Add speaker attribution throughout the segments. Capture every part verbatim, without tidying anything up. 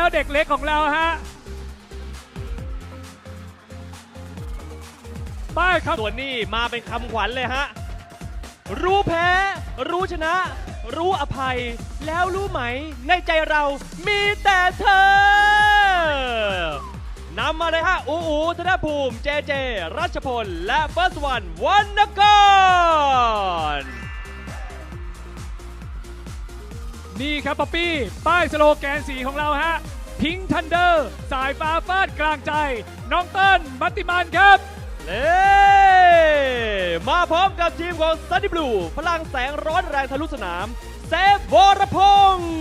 Speaker 1: เด็กเล็กของเราฮะป้ายครับ
Speaker 2: ส่วนนี้มาเป็นคำขวัญเลยฮะรู้แพ้รู้ชนะ รู้อภัยแล้วรู้ไหมในใจเรามีแต่เธอนำมาเลยฮะอูอูธนภูมิเจเจรัชพลและเฟิร์สวันวรรณกร
Speaker 1: นี่ครับป๊อปปี้ป้ายสโลแกนสีของเราฮะพิงค์ทันเดอร์สายฟ้าฟาดกลางใจน้องเติ้ลมัตติมันครับ
Speaker 2: เล่มาพร้อมกับทีมของซันนี่บลูพลังแสงร้อนแรงทะลุสนามเซฟวรพงษ์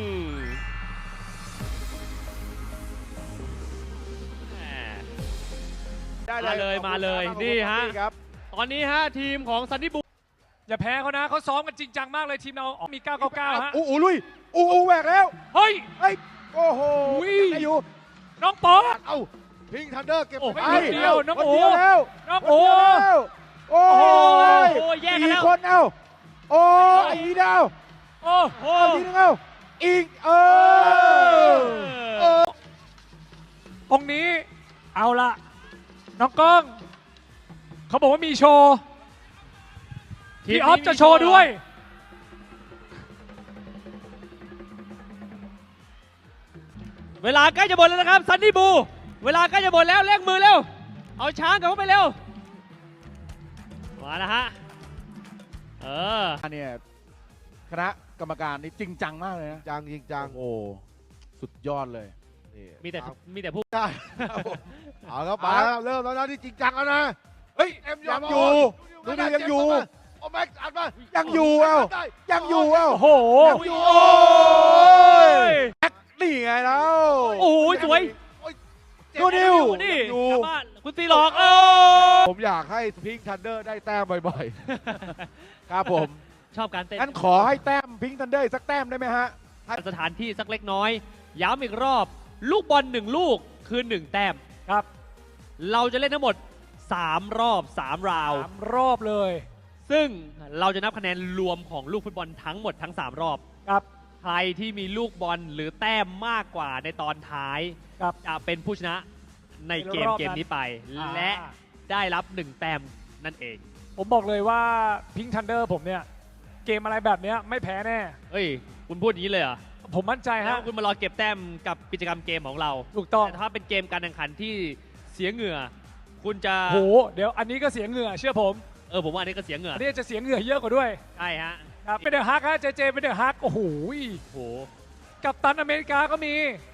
Speaker 2: มาเลยมาเลยนี่ฮะตอนนี้ฮะทีมของซันนี่บลู
Speaker 1: อย่าแพ้เขานะเขาซ้อมกันจริงจังมากเลยทีมเรามีเก้าเก้าเก้าฮะ
Speaker 3: อูอูลุยอูอูแหวกแล้ว
Speaker 1: เฮ้ย
Speaker 3: เฮ้ยโอ้โหยังอยู่
Speaker 1: น้องปอ
Speaker 3: เอ้าพิงทันเดอร์เก็บไป
Speaker 1: เดียวน้องโอ๋น้องโอ๋
Speaker 3: โอ้ยสี่คนเอ้าโอ้อีดาว
Speaker 1: โอ้โห
Speaker 3: ทีนึงเอ้าอีกเออ
Speaker 1: องค์นี้เอาละน้องก้องเขาบอกว่ามีโชว์พี่ออฟจะโชว์ด้วย
Speaker 2: เวลาใกล้จะหมดแล้วนะครับซันนี่บูเวลาใกล้จะหมดแล้วเร่งมือเร็วเอาช้างกลับเข้าไปเร็วมาแล้วฮะเออ
Speaker 3: อันนี้คณะกรรมการนี่จริงจังมากเลยนะ
Speaker 4: จังจริงจัง
Speaker 3: โอ้สุดยอดเลย
Speaker 2: มีแต่มีแต่ผู้
Speaker 4: ได้เอาแล้วไปเริ่มแล้วนะที่จริงจังแล้วนะ
Speaker 3: เฮ้ยเอ็มยังอยู่ดูดิยังอยู่
Speaker 4: โอ้แม็กอัดมา
Speaker 3: ยังอยู่เอ้ายังอยู่เอ้า
Speaker 1: โอ้โห
Speaker 3: โอ้ยแม็กนี่ไงแล้ว
Speaker 2: โอ้ยสวย
Speaker 3: ดูนิว
Speaker 2: นี่กลับบ้านคุณตีหลอกเออ
Speaker 4: ผมอยากให้พิงค์ทันเดอร์ได้แต้มบ่อย
Speaker 3: ๆครับผม
Speaker 2: ชอบการเต้น
Speaker 3: งั้นขอให้แต้มพิงค์ทันเดอร์สักแต้มได้ไหมฮะ
Speaker 2: สถานที่สักเล็กน้อยย้ำอีกรอบลูกบอลหนึ่งลูกคือหนึ่งแต้ม
Speaker 1: ครับ
Speaker 2: เราจะเล่นทั้งหมดสามรอบสามราว
Speaker 1: สามรอบเลย
Speaker 2: ซึ่งเราจะนับคะแนนรวมของลูกฟุตบอลทั้งหมดทั้งสามรอบ
Speaker 1: ครับ
Speaker 2: ใครที่มีลูกบอลหรือแต้มมากกว่าในตอนท้ายจะเป็นผู้ชนะในเกมเกมนี้ไปและได้รับหนึ่งแต้มนั่นเอง
Speaker 1: ผมบอกเลยว่าพิงค์ทันเดอร์ผมเนี่ยเกมอะไรแบบนี้ไม่แพ้แน่
Speaker 2: เฮ้ยคุณพูดอย่างนี้เลยเหรอ
Speaker 1: ผมมั่นใจฮะ
Speaker 2: คุณมารอเก็บแต้มกับกิจกรรมเกมของเรา
Speaker 1: ถูกต้อง
Speaker 2: แต่ถ้าเป็นเกมการแข่งขันที่เสียเหงื่อคุณจะ
Speaker 1: โหเดี๋ยวอันนี้ก็เสียเหงื่อเชื่อผม
Speaker 2: เออผมว่าอันนี้ก็เสียเหงื่อ
Speaker 1: อันนี้จะเสียเหงื่อเยอะกว่าด้วย
Speaker 2: ใช่ฮะ
Speaker 1: ครับเป็นเดอะฮักฮะเจเจเป็นเดอะฮักโอ้โห
Speaker 2: โห
Speaker 1: กัปตันอเมริกาก็มี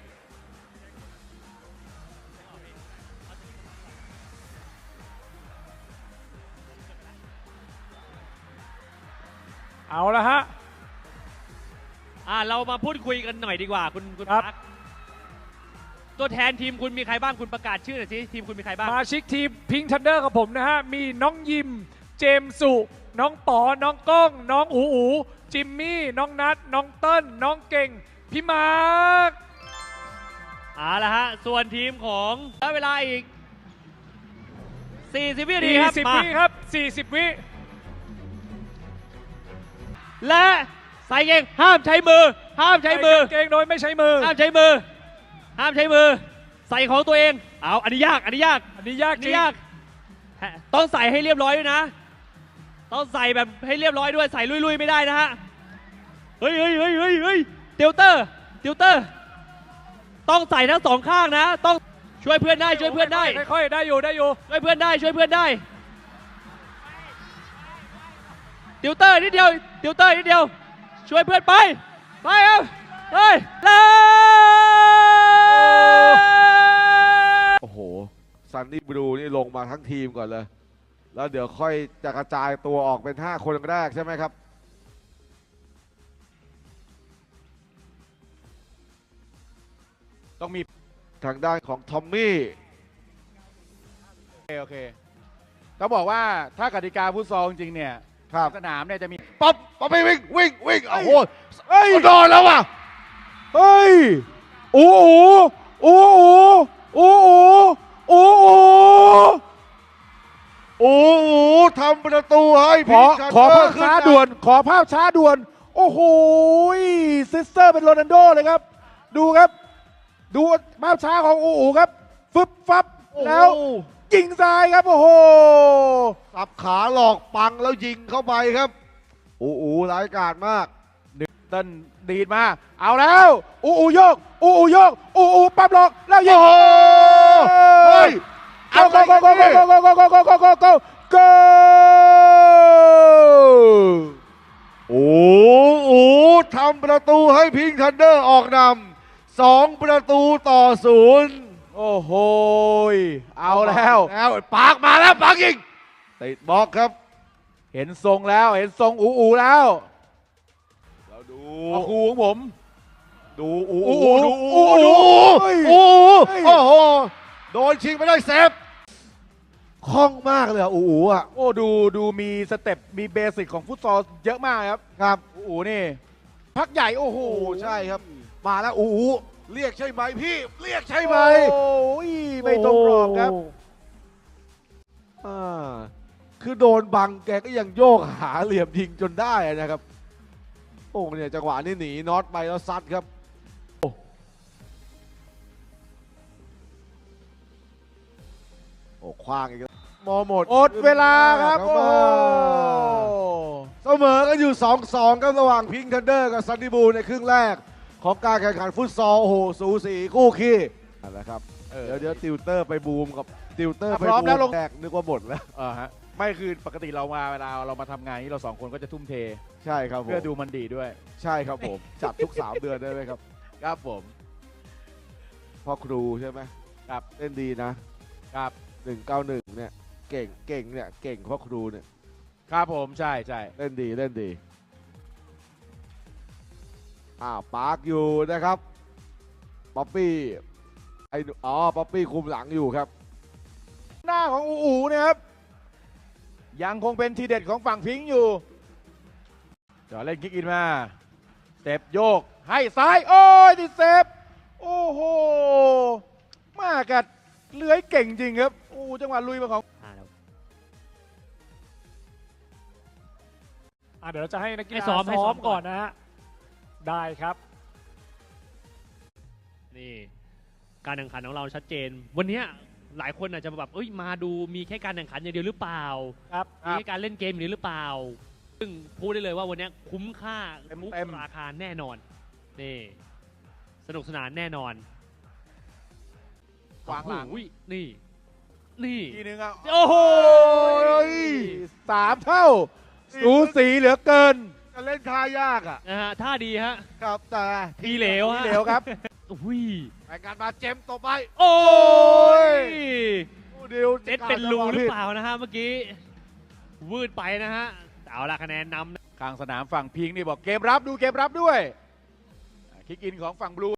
Speaker 1: เอาละฮะ
Speaker 2: อ่าเรามาพูดคุยกันหน่อยดีกว่าคุณคุณพักตัวแทนทีมคุณมีใครบ้างคุณประกาศชื่อหน่อยสิทีมคุณมีใครบ้าง
Speaker 1: มาชิกทีมพิงค์ทันเดอร์กับผมนะฮะมีน้องยิมเจมสุน้องป๋อน้องก้องน้องอูอูจิมมี่น้องนัทน้องเติ้ลน้องเก่งพี่มาร์ค
Speaker 2: เอาละฮะส่วนทีมของได้เวลาอีกสี่สิบวินาทีครับ
Speaker 1: สี่สิบวิครับสี่สิบวิ
Speaker 2: และใส่เกงห้ามใช้มือห้ามใช้มือ
Speaker 1: เกงโดยไม่ใช้มือ
Speaker 2: ห้ามใช้มือห้ามใช้มือใส่ของตัวเองเอาอันนี้ยากอันนี้ยาก
Speaker 1: อันนี้ยากจริง
Speaker 2: ยากต้องใส่ให้เรียบร้อยด้วยนะต้องใส่แบบให้เรียบร้อยด้วยใส่ลุยๆไม่ได้นะฮะเฮ้ยเฮ้ยเฮ้ยเฮ้ยเฮ้ยติวเตอร์ติวเตอร์ต้องใส่ทั้งสองข้างนะต้องช่วยเพื่อนได้ช่วยเพื่อนได้
Speaker 1: ค่อยๆได้อยู่ได้อยู่
Speaker 2: ช่วยเพื่อนได้ช่วยเพื่อนได้ติวเตอร์นิดเดียวติวเตอร์นิดเดียวช่วยเพื่อนไปไปเอาเฮ้ย
Speaker 4: โอ้โหซันนี่บลูนี่ลงมาทั้งทีมก่อนเลยแล้วเดี๋ยวค่อยจะกระจายตัวออกเป็นห้าคนแรกใช่ไหมครับ
Speaker 3: ต้องมี
Speaker 4: ทางด้านของทอมมี่
Speaker 3: โอเคโอเคต้องบอกว่าถ้ากติกาฟุตซอลจริงๆเนี่ยสนามเนี่ยจะมี
Speaker 4: ป๊อปป๊อปไปวิ่งวิ่งวิ่งโอ้โหเฮ้ยโดนแล้วว่ะเฮ้ยโอ้โหโอ้โหโอ้โหโอ้โหโอ้โหทำประตูให้
Speaker 3: ขอขอภาพช้าด่วนขอภาพช้าด่วนโอ้โหซิสเตอร์เป็นโรนัลโดเลยครับดูครับดูภาพช้าของอูอูครับ ฟึบฟับ
Speaker 4: โอ้โห
Speaker 3: แล้วยิงซ้ายครับ โอ้โห
Speaker 4: สับขาหลอกปังแล้วยิงเข้าไปครับอูอูร้ายกาจมาก
Speaker 3: เต้นดีดมา เอาแล้ว อูอูโยก อูอูโยก อูอูปั๊บหลอกแล้วยิง
Speaker 4: โอ้โหเฮ้ย
Speaker 3: เอาโกโกโกโกโกโกโกโกโกโกโกโกโก
Speaker 4: โอ้โหทำประตูให้พิงค์ทันเดอร์ออกนำสองประตูต่อศูนย์
Speaker 3: โอ้โหยเอาแล้ว
Speaker 4: แล้วปากมาแล้วปากยิงติดบล็อกครับ
Speaker 3: เห็นทรงแล้ว เห็นทรงอูอูแล้ว
Speaker 4: เราดู
Speaker 3: เอาครูของผม
Speaker 4: ดูอู
Speaker 3: อู
Speaker 4: อู
Speaker 3: อู
Speaker 4: ดู
Speaker 3: อู
Speaker 4: อู
Speaker 3: อู
Speaker 4: ดู
Speaker 3: เฮ้ย
Speaker 4: อู
Speaker 3: เฮ้ย
Speaker 4: โอ้โหโดนชิงไปได้เซฟคล่องมากเลยอะอูอูอ่ะ
Speaker 3: โอ้ดูดูมีสเต็ปมีเบสิกของฟุตซอลเยอะมากครับ
Speaker 4: ครับ
Speaker 3: อูอูนี่ พักใหญ่โอ้โห
Speaker 4: โอ้ใช่ครับ มาแล้วอูอูเรียกใช่ไหมพี่เรียกใช่ไหม
Speaker 3: โอ้ยไม่ตรงกรอบครับ
Speaker 4: อ่าคือโดนบังแกก็ยังโยกหาเหลี่ยมยิงจนได้นะครับ โอ้เนี่ยจังหวะนี้หนีน็อตไปแล้วซัดครับ โอ้คว้างอีกแล้วมอหมด
Speaker 3: หมดเวลาครับ โอ้โห
Speaker 4: เสมอกันอยู่ สองสอง ครับระหว่างพิงค์ทันเดอร์กับซันนี่บูลในครึ่งแรก ของการแข่งขันฟุตซอลโอ้โหสูสีคู่ขี้นั่นแหละครับ
Speaker 3: เออ
Speaker 4: เดี๋ยวเดี๋ยวติวเตอร์ไปบูมกับติวเตอร์
Speaker 3: อ่ะ
Speaker 4: ไป
Speaker 3: พร้อม
Speaker 4: บู
Speaker 3: แล้วล
Speaker 4: ม
Speaker 3: ง
Speaker 4: แรกนึกว่าหมดแล้ว
Speaker 3: อ่าฮะไม่คือปกติเรามาเวลาเรามาทำงานนี้เราสองคนก็จะทุ่มเท
Speaker 4: ใช่ครับผม
Speaker 3: เพื่อดูมันดีด้วย
Speaker 4: ใช่ครับผม จัดทุก สาม เดือนได้ไหมครับ
Speaker 3: ครับผม
Speaker 4: พ่อครูใช่ไหม
Speaker 3: ครับ
Speaker 4: เล่นดีนะครับ หนึ่งเก้าหนึ่งเนี่ยเก่งเก่งเนี่ยเก่งพ่อครูเนี่ย
Speaker 3: ครับผมใช่ใช่
Speaker 4: เล่นดีเล่นดีอ้าวปาร์คอยู่นะครับป๊อปปี้ไอ้หนูอ๋อป๊อปปี้คุมหลังอยู่ครับ
Speaker 3: หน้าของอูอูเนี่ยครับ ยังคงเป็นทีเด็ดของฝั่งพิงค์อยู่เดี๋ยวเล่นคิกอินมาสเต็ปโยก ให้ซ้าย โอ้ยติดเซฟโอ้โห มากัดเลื้อยเก่งจริงครับโอ้จังหวะลุยมาของ
Speaker 2: อ่าเดี๋ยว
Speaker 1: อ่ะเดี๋ยวเราจะให้นักกีฬา
Speaker 2: ให้ซ้อมให้ซ้
Speaker 1: ซ้อ
Speaker 2: อ
Speaker 1: ม
Speaker 2: ม
Speaker 1: ก่
Speaker 2: ก่
Speaker 1: อ
Speaker 2: อน น
Speaker 1: นะฮะ ได้ครับ
Speaker 2: นี่ การแข่งขันของเราชัดเจน วันเนี้ยหลายคนอาจจะแบบเอ้ยมาดูมีแค่การแข่งขันอย่างเดียวหรือเปล่า
Speaker 1: ครับ
Speaker 2: มีแค่การเล่นเกมอย่างเดียวหรือเปล่า ซึ่งพูดได้เลยว่าวันเนี้ยคุ้มค่า
Speaker 3: เต็ม
Speaker 2: ทุก
Speaker 3: เต็ม
Speaker 2: ราคาแน่นอนนี่สนุกสนานแน่นอน
Speaker 3: ขวางหลัง
Speaker 2: โอ้โนี่ นี่
Speaker 3: ทีนึงอ่ะ
Speaker 2: โอ้โห
Speaker 3: สามเท่า สูสีเหลือเกิน
Speaker 4: จะเล่นท่ายากอ่ะ
Speaker 2: นะฮะท่าดีฮะ
Speaker 4: ครับแต่
Speaker 2: ทีเหลว
Speaker 3: ที
Speaker 2: ฮะ
Speaker 3: เหลวครับ
Speaker 2: อุ้ย
Speaker 4: รายการมาเจมส์ต่อไป
Speaker 2: โอ้ย
Speaker 4: โอ้ดิว
Speaker 2: เจ็ดเป็นรูหรือเปล่านะฮะเมื่อกี้ วืดไปนะฮะ เอาละคะแนนนำ
Speaker 3: ข้างสนามฝั่งพิงค์นี่บอกเกมรับดูเกมรับด้วยคิกอินของฝั่งบลู